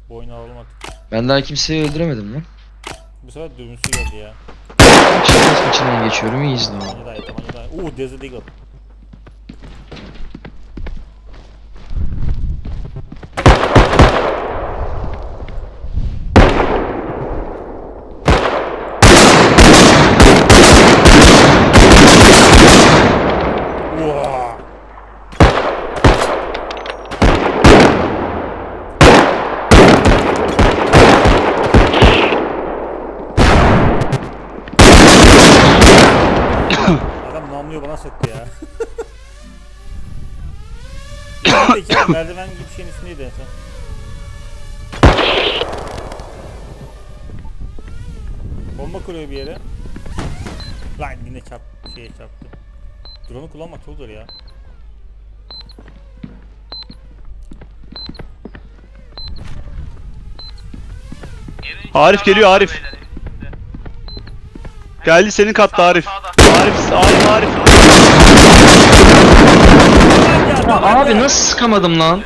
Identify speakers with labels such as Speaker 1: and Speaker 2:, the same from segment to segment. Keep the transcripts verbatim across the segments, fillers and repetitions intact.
Speaker 1: Bu oyunu alalım artık.
Speaker 2: Ben daha kimseyi öldüremedim lan.
Speaker 1: Bu sefer dürbünsü geldi ya.
Speaker 2: Şeref içinden geçiyorum, iyi izle onu.
Speaker 1: Tabanca daha iyi, tabanca daha iyi. Uuu, Desert Eagle. Uaa! Adam namluyor bana sıktı ya. Peki merdiven gibi bir şeyin üstündeydi en son. Bomba kuruyor bir yere. Lan yine çarp şeye çarptı. Drone'u kullanmak çok zor ya.
Speaker 3: Arif geliyor, Arif. Geldi senin katta Arif. Arif, Arif, Arif.
Speaker 2: Ya abi nasıl sıkamadım lan?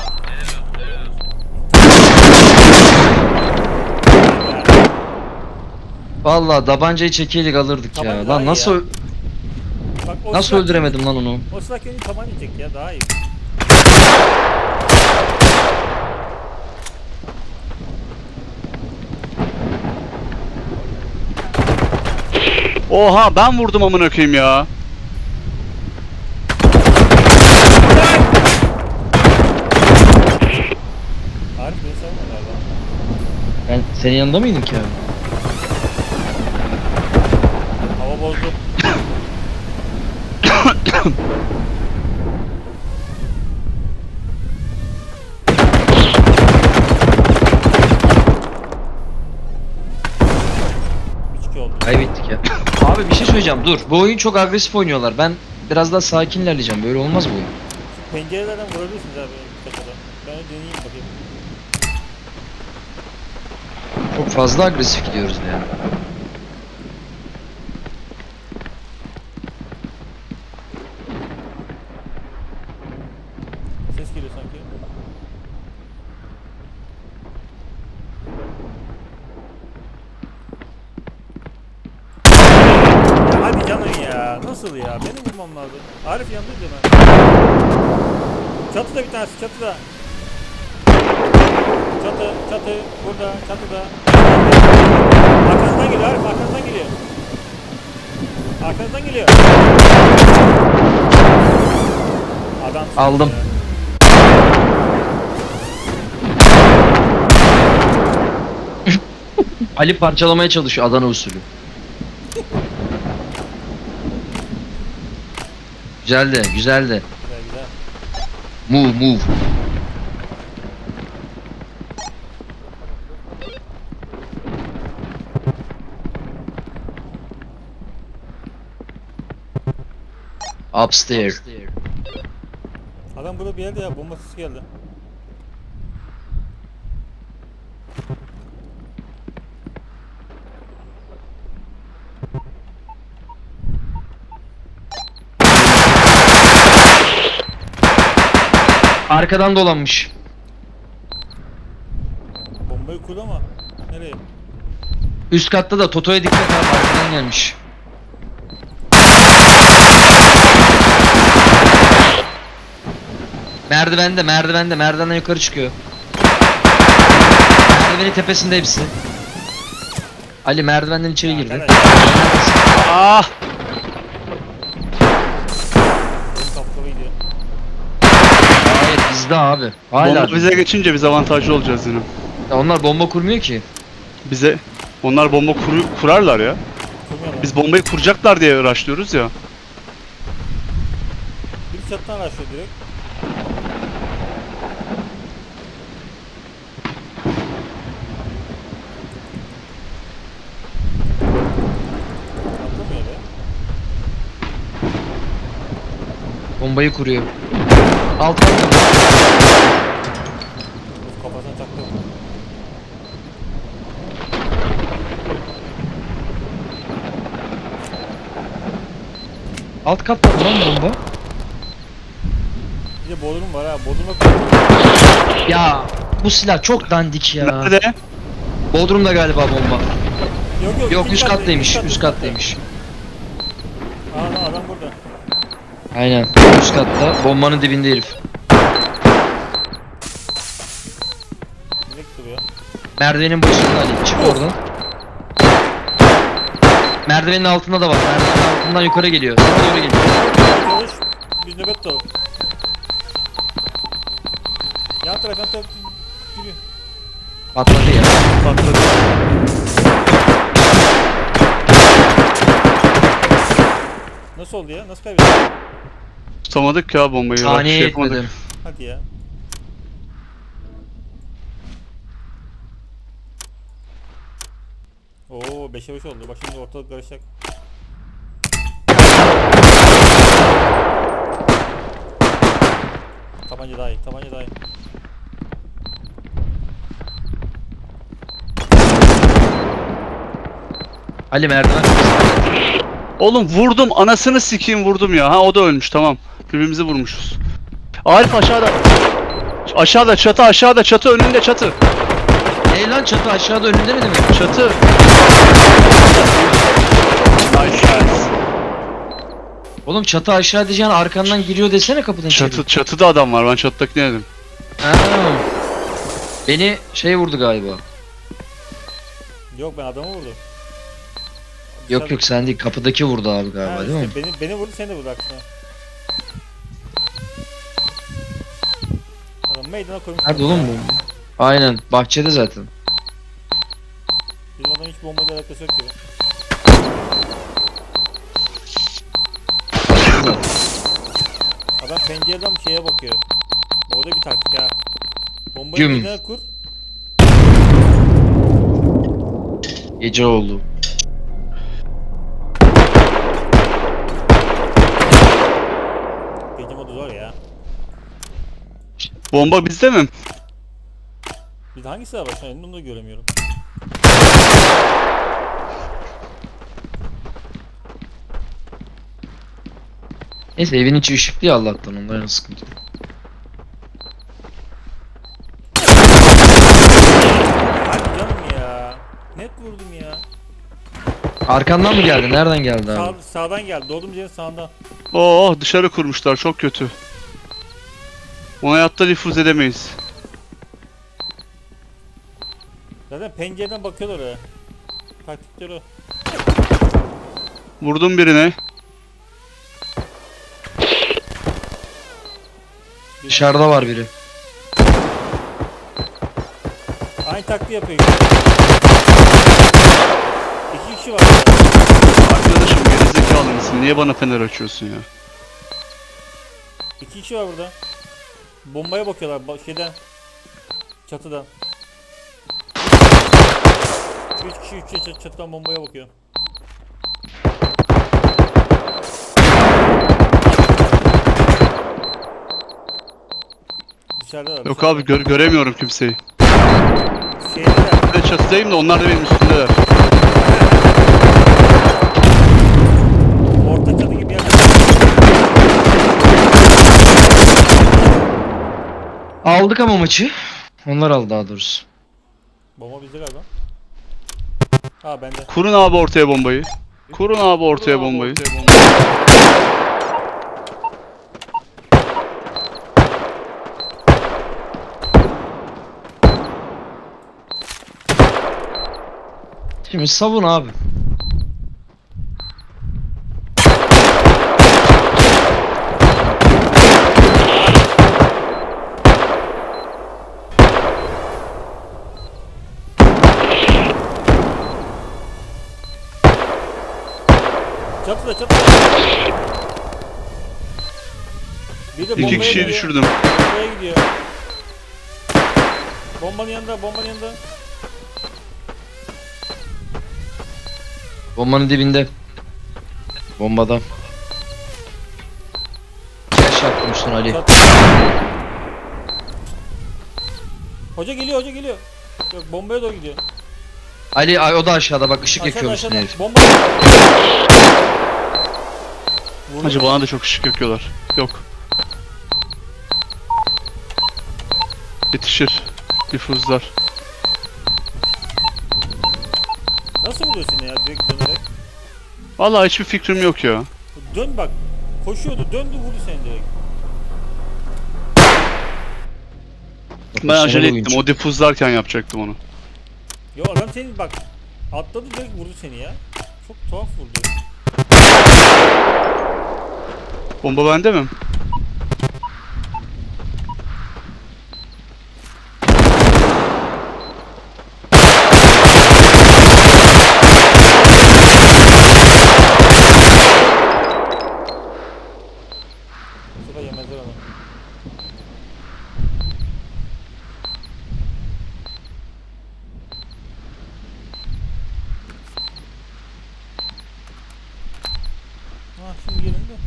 Speaker 2: Vallahi tabancayı çekeydik alırdık
Speaker 1: Tabanca
Speaker 2: ya.
Speaker 1: daha
Speaker 2: Lan
Speaker 1: iyi
Speaker 2: nasıl
Speaker 1: ya.
Speaker 2: ö-
Speaker 1: Bak, o
Speaker 2: nasıl
Speaker 1: silah-
Speaker 2: öldüremedim lan onu?
Speaker 1: O silah kendi tabanca çek ya, daha iyi.
Speaker 3: Oha, ben vurdum amına koyayım ya.
Speaker 1: Arif beni savunma galiba.
Speaker 2: Ben senin yanında mıydım ki abi?
Speaker 1: Hava bozdu. üç iki oldu.
Speaker 2: Kaybettik ya. Abi bir şey söyleyeceğim, dur. Bu oyun çok agresif oynuyorlar. Ben biraz daha sakin ilerleyeceğim. Böyle olmaz bu oyun.
Speaker 1: Pencerelerden vurabilirsiniz abi kaçada. Ben de deneyeyim bakayım.
Speaker 2: Çok fazla agresif gidiyoruz ya.
Speaker 1: Ses geliyor sanki. Ya hadi canım ya. Nasıl ya? Beni vurmam lazım. Arif yanındaydı ben. Çatıda bir tanesi, çatıda. Çatı, çatı, burada, çatıda. Arkanızdan geliyor Arif, arkanızdan geliyor. Arkanızdan geliyor. Adam
Speaker 2: Aldım.
Speaker 1: ya.
Speaker 2: Ali parçalamaya çalışıyor Adana usulü. Güzeldi, güzeldi.
Speaker 1: Güzel güzel.
Speaker 2: Move, move. Upstairs.
Speaker 1: Adam burada bir yerde ya, bomba sesi geldi.
Speaker 2: Arkadan dolanmış.
Speaker 1: Bombayı kurdu ama nereye?
Speaker 2: Üst katta da Toto'ya dikkat abi, arkadan gelmiş. Merdivende, merdivende, merdivenden yukarı çıkıyor. Merdivenin tepesinde hepsi. Ali merdivenden içeri girdi.
Speaker 1: Arkadaş,
Speaker 3: Ah!
Speaker 1: benim kapkaba gidiyor.
Speaker 2: Hayır bizde abi. Hala.
Speaker 3: Bomba bize geçince biz avantajlı olacağız yine.
Speaker 2: Ya onlar bomba kurmuyor ki.
Speaker 3: Bize onlar bomba kuru, kurarlar ya.
Speaker 1: Kurmuyorlar.
Speaker 3: Biz bombayı kuracaklar diye uğraşıyoruz ya.
Speaker 1: Bir çatıdan araştırıyor direkt. Atlamıyor be.
Speaker 2: Bombayı kuruyor. Alt katta.
Speaker 1: Kafasına taktı.
Speaker 2: Alt katta mı lan bomba?
Speaker 1: Bir de bodrum var ha. Bodrum'a koydum.
Speaker 2: Ya bu silah çok dandik ya.
Speaker 3: Nerede?
Speaker 2: Bodrum'da galiba bomba.
Speaker 1: Yok yok.
Speaker 2: Yok
Speaker 1: ikinci
Speaker 2: üst
Speaker 1: katta,
Speaker 2: kattaymış,
Speaker 1: ikinci
Speaker 2: üst
Speaker 1: katta.
Speaker 2: kattaymış.
Speaker 1: Aa lan adam burada.
Speaker 2: Aynen, üst katta. Bombanın dibinde herif.
Speaker 1: Direkt duruyor.
Speaker 2: Merdivenin başında Ali. Çık oradan. Merdivenin altında da var. Merdivenin altından yukarı geliyor. Sana doğru geliyor.
Speaker 1: Çalış. Biz nöbet tutalım. Yan taraf yan taraf. Yürü.
Speaker 2: Patladı ya.
Speaker 3: Patladı.
Speaker 1: Nasıl oldu ya? Nasıl kaybettin?
Speaker 3: Tutamadık ya bombayı. Bak,
Speaker 2: Saniye
Speaker 3: şey yapamadık.
Speaker 2: etmedim.
Speaker 1: Hadi ya. Oo beşe beş oldu. Bak şimdi ortalık karışacak. Tabanca daha iyi. Tabanca daha iyi.
Speaker 2: Ali merdiven.
Speaker 3: Oğlum vurdum, anasını sikeyim vurdum ya. Ha o da ölmüş, tamam. Birbirimizi vurmuşuz. Arif aşağıda. Aşağıda çatı, aşağıda çatı, önünde çatı.
Speaker 2: Ey lan çatı aşağıda önünde mi demek?
Speaker 3: Çatı. Nice guys.
Speaker 2: Oğlum çatı aşağı diyeceğin arkandan giriyor desene kapıdan içeri.
Speaker 3: Çatı, çatıda adam var. Ben çatıdakini dedim.
Speaker 2: Ha. Beni şey vurdu galiba.
Speaker 1: Yok ben adamı vurdum.
Speaker 2: Yok yok sen değil, kapıdaki vurdu abi
Speaker 1: Ha,
Speaker 2: galiba değil mi?
Speaker 1: işte beni, beni vurdu seni de vurdu aksine. Adam meydana koymuş.
Speaker 2: Nerede oğlum bu? Aynen bahçede zaten.
Speaker 1: Bizim adam hiç bombayla alakası yok gibi. Adam pencereden bir şeye bakıyor. O da bir taktik ha. Bombayı
Speaker 2: Güm.
Speaker 1: meydana kur.
Speaker 2: Gece oldu.
Speaker 1: Gece modu zor ya.
Speaker 3: Bomba bizde mi?
Speaker 1: Biz hangisi var başına onu da göremiyorum.
Speaker 2: Neyse evin içi ışıklı ya Allah'tan, onların sıkıntı yok.
Speaker 1: Hadi canım ya. Net vurdum ya.
Speaker 2: Arkandan mı geldi? Nereden geldi
Speaker 1: Sağ,
Speaker 2: abi?
Speaker 1: sağdan geldi. Doğduğum yerin sağından.
Speaker 3: Oo dışarı kurmuşlar, çok kötü. Ona hayatta nüfuz edemeyiz.
Speaker 1: Zaten pencereden bakıyorlar oraya. Taktikleri o.
Speaker 3: Vurdum birine.
Speaker 2: Dışarıda var biri.
Speaker 1: Aynı taktiği yapıyor. İki kişi var burada.
Speaker 3: Arkadaşım gerizekalı mısın? Niye bana fener açıyorsun ya?
Speaker 1: İki kişi var burada. Bombaya bakıyorlar ba- şeyden. Çatıdan. Üç kişi üç kişi çatıdan bombaya bakıyor. Dışarıda
Speaker 3: Yok abi gör göremiyorum kimseyi.
Speaker 1: Şeydeler.
Speaker 3: Ben de çatıdayım da onlar da benim üstümdeler.
Speaker 1: Orta çatı gibi yer.
Speaker 2: Aldık ama maçı. Onlar aldı daha doğrusu.
Speaker 1: Bomba bizde galiba. Ha bende.
Speaker 3: Kurun abi ortaya bombayı. Kurun abi ortaya bombayı.
Speaker 2: Şimdi savun abi.
Speaker 1: Çatıda çatıda. Bir de
Speaker 3: İki
Speaker 1: bombaya
Speaker 3: kişiyi
Speaker 1: gidiyor.
Speaker 3: düşürdüm.
Speaker 1: Bombaya gidiyor. Bombanın yanında, bombanın yanında.
Speaker 2: Bombanın dibinde. Bombada. Flash yapmışsın Ali.
Speaker 1: Çat- Hoca geliyor, hoca geliyor. Yok bombaya doğru gidiyor.
Speaker 2: Ali ay, o da aşağıda bak, ışık
Speaker 1: Aşağıda
Speaker 2: yakıyormuşsun
Speaker 1: aşağıda.
Speaker 2: herif.
Speaker 1: Bomba. Vurdu
Speaker 3: Hacı
Speaker 1: mu?
Speaker 3: bana da çok ışık yakıyorlar. Yok. Yetişir. Difuzlar.
Speaker 1: Nasıl vuruyor seni ya direkt dönerek?
Speaker 3: Vallahi hiçbir fikrim yok ya.
Speaker 1: Dön bak. Koşuyordu döndü vurdu seni direkt.
Speaker 3: Ben acele
Speaker 2: Profesyonel
Speaker 3: ettim.
Speaker 2: oyuncu.
Speaker 3: O difuzlarken yapacaktım onu.
Speaker 1: Yo adam seni bak atladı direkt vurdu seni ya. Çok tuhaf vurdu.
Speaker 3: Bomba bende mi?
Speaker 1: Bu sefer yemezler onu. Ha şimdi gelin de.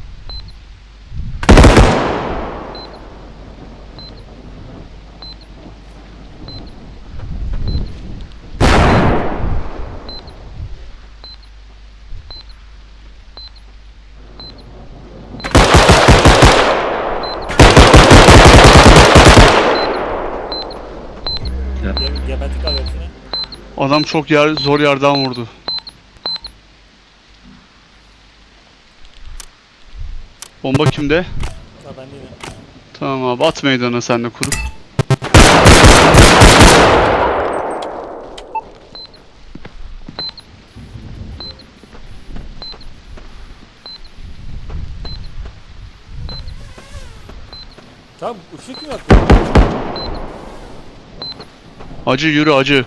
Speaker 2: Ya.
Speaker 1: Ge gebertik abi hepsini.
Speaker 3: Adam çok yer, zor yerden vurdu. Bomba kimde?
Speaker 1: Ha ben değilim.
Speaker 3: Tamam abi at meydana sen de kurup.
Speaker 1: Tamam ışık mı yaktı?
Speaker 3: Acı yürü acı.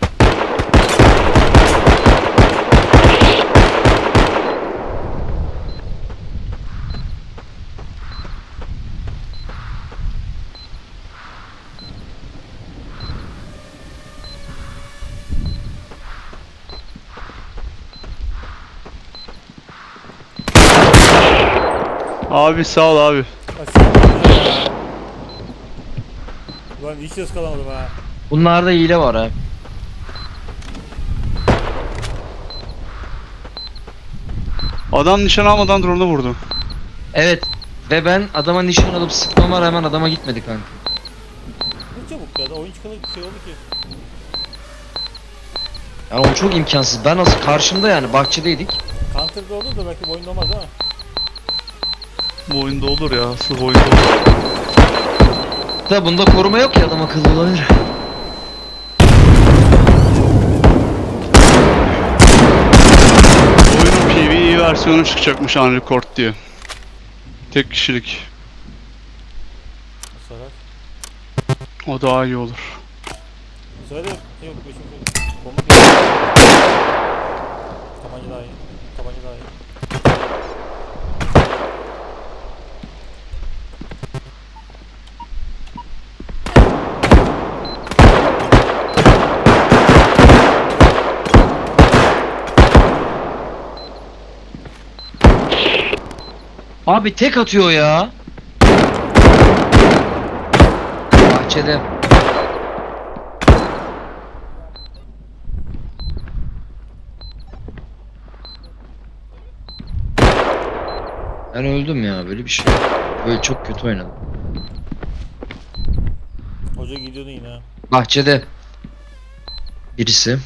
Speaker 3: Abi sağ ol abi.
Speaker 1: Aşağı ya. Ulan hiç ses kalamadım ha.
Speaker 2: Bunlarda hile var ha.
Speaker 3: Adam nişan almadan drone'u vurdu.
Speaker 2: Evet. Ve ben adama nişan alıp sıkmama rağmen adama gitmedi kanka.
Speaker 1: Ne çabuk ya da oyun çıkalı bir şey oldu ki.
Speaker 2: Yani o çok imkansız. Ben nasıl karşımda yani bahçedeydik.
Speaker 1: Counter'da olur da belki bu oyunda olmaz ama.
Speaker 3: Bu oyunda olur ya. Asıl bu oyunda olur.
Speaker 2: Da bunda koruma yok ya adam akıllı olabilir.
Speaker 3: Oyunun P V E versiyonu çıkacakmış Unrecord diye. Tek kişilik.
Speaker 1: Bu sefer.
Speaker 3: O daha iyi olur.
Speaker 1: Bu sefer de yok. Beşim şey. Bomba geliyor. Tabanca daha iyi. Tabanca daha iyi.
Speaker 2: Abi tek atıyor ya. Bahçede. Ben öldüm ya böyle bir şey. Böyle çok kötü oynadım.
Speaker 1: Hoca gidiyordu yine ha.
Speaker 2: Bahçede. Birisi.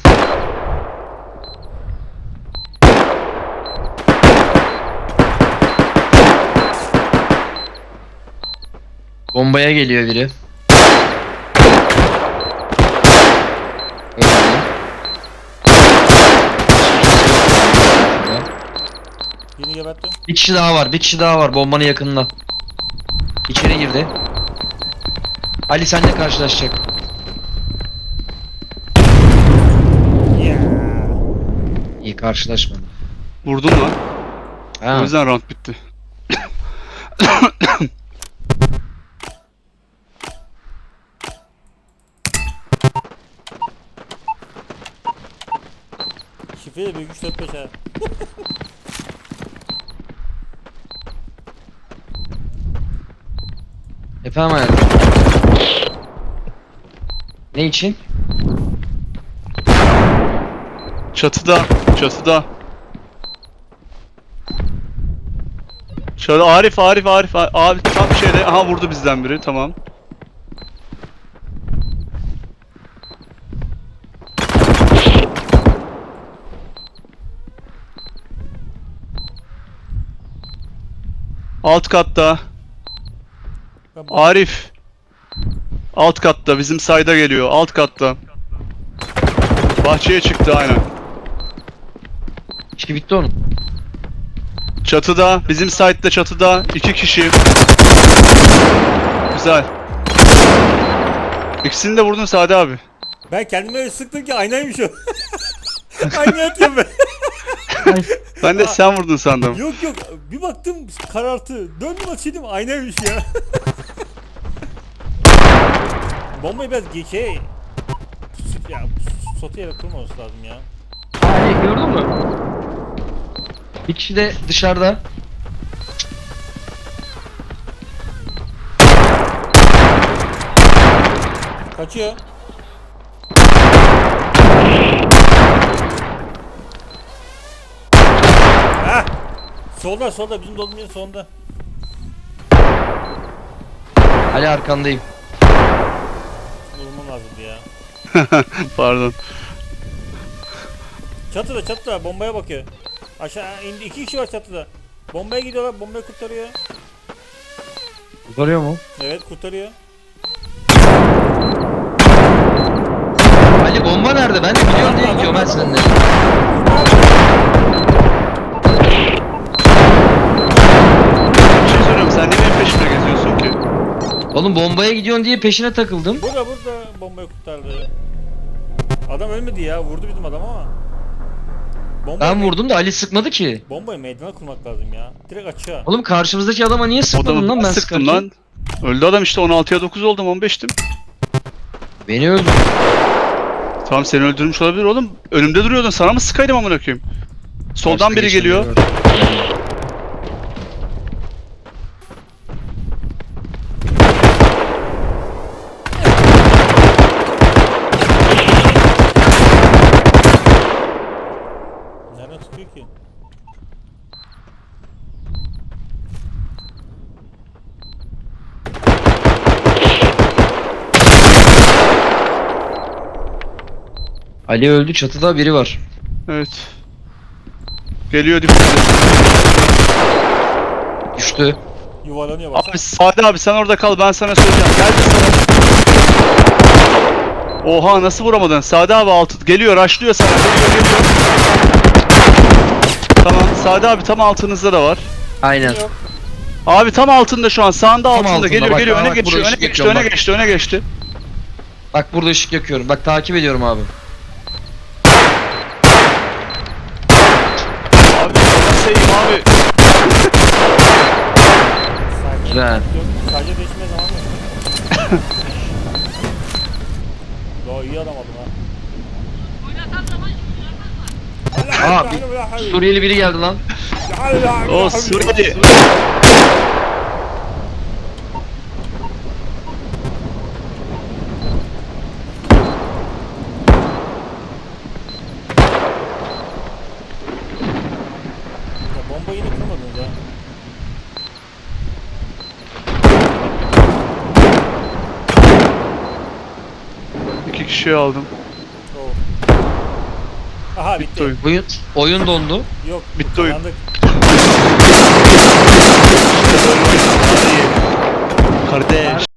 Speaker 2: Bombaya geliyor biri. Öldü.
Speaker 1: Birini geberttim.
Speaker 2: Bir kişi daha var, bir kişi daha var bombanın yakınında. İçeri girdi. Ali seninle karşılaşacak.
Speaker 1: Yeah.
Speaker 2: İyi karşılaşmadı.
Speaker 3: Vurdun lan.
Speaker 2: Ha.
Speaker 3: O yüzden round bitti.
Speaker 1: Şifre de büyük üç dört beş ha.
Speaker 2: Efendim hayatım. Ne için?
Speaker 3: Çatıda, çatıda. Şöyle Arif, Arif, Arif, abi tam şeyde, aha vurdu bizden biri, tamam. Alt katta.
Speaker 1: Ben bak-
Speaker 3: Arif. Alt katta. Bizim sayda geliyor. Alt katta. Bahçeye çıktı aynen.
Speaker 2: İşi bitti onun.
Speaker 3: Çatıda. Bizim site'de çatıda. iki kişi. Güzel. İkisini de vurdun Sade abi.
Speaker 1: Ben kendime öyle sıktım ki aynaymış o. Aynı atıyorum ben.
Speaker 3: Ben de sen vurdun sandım.
Speaker 1: Yok yok bir baktım karartı. Döndüm açıyordum aynaymış ya. Bombayı biraz geçe ya sotu yere kurmaması lazım ya.
Speaker 2: Ali gördün mü? Bir kişi de dışarıda.
Speaker 1: Kaçıyor. Hah! Solda solda bizim dolduğumuz yerin sonunda.
Speaker 2: Ali arkandayım.
Speaker 1: Vurmam lazımdı ya.
Speaker 3: Pardon.
Speaker 1: Çatıda çatıda bombaya bakıyor. Aşağı indi iki kişi var çatıda. Bombaya gidiyorlar bombayı kurtarıyor.
Speaker 2: Kurtarıyor mu?
Speaker 1: Evet kurtarıyor.
Speaker 2: Ali bomba nerede? Ben de biliyorum diye gidiyorum ben seninle.
Speaker 3: Bir şey soruyorum. Sen niye benim peşimde geziyorsun ki?
Speaker 2: Oğlum bombaya gidiyorsun diye peşine takıldım.
Speaker 1: Burada burada bombayı kurtardı. Adam ölmedi ya vurdu bizim adam ama. Bombayı
Speaker 2: Ben vurdum da Ali sıkmadı ki.
Speaker 1: Bombayı meydana kurmak lazım ya. Direkt açığa.
Speaker 2: Oğlum karşımızdaki adama niye
Speaker 3: O
Speaker 2: sıkmadın
Speaker 3: da
Speaker 2: lan ben
Speaker 3: ben sıktım
Speaker 2: sıkarken?
Speaker 3: lan. Öldü adam işte on altıya dokuz oldum on beştim.
Speaker 2: Beni öldü.
Speaker 3: Tamam seni öldürmüş olabilir oğlum. Önümde duruyordun sana mı sıkaydım amına koyayım? Soldan
Speaker 2: Başka
Speaker 3: biri
Speaker 2: geçen
Speaker 3: geliyor.
Speaker 2: var.
Speaker 1: Nereden sıkıyor ki?
Speaker 2: Ali öldü, çatıda biri var.
Speaker 3: Evet. Geliyor dip.
Speaker 2: Düştü.
Speaker 1: Yuvarlanıyor bak.
Speaker 3: Abi Sade abi sen orada kal ben sana söyleyeceğim. Gel de sana. Oha nasıl vuramadın? Sade abi altı geliyor rushlıyor sana. Geliyor geliyor. Tamam Sade abi tam altınızda da var.
Speaker 2: Aynen.
Speaker 1: Yok.
Speaker 3: Abi tam altında şu an sağında
Speaker 2: Tam
Speaker 3: altında,
Speaker 2: altında,
Speaker 3: geliyor
Speaker 2: bak,
Speaker 3: geliyor
Speaker 2: aa,
Speaker 3: öne
Speaker 2: bak,
Speaker 3: geçiyor
Speaker 2: burada
Speaker 3: öne
Speaker 2: ışık
Speaker 3: geçti
Speaker 2: yakıyorum,
Speaker 3: öne
Speaker 2: bak.
Speaker 3: geçti öne geçti.
Speaker 2: Bak burada ışık yakıyorum. Bak takip ediyorum abi.
Speaker 3: Abi nasıl abi?
Speaker 1: Sadece,
Speaker 2: Güzel.
Speaker 1: Yok, sadece değişmeye zaman mı? Daha iyi adam aldım ha.
Speaker 2: Aa bir Suriyeli biri geldi lan.
Speaker 3: O Suriyeli.
Speaker 1: Ya bomba yine kurmadınız ha.
Speaker 3: İki kişiyi aldım.
Speaker 1: Oo. Aha bitti.
Speaker 3: Bitti oyun.
Speaker 2: Oyun, oyun dondu.
Speaker 1: Yok.
Speaker 3: Bitti oyun.
Speaker 1: kazandık.
Speaker 3: Kardeş.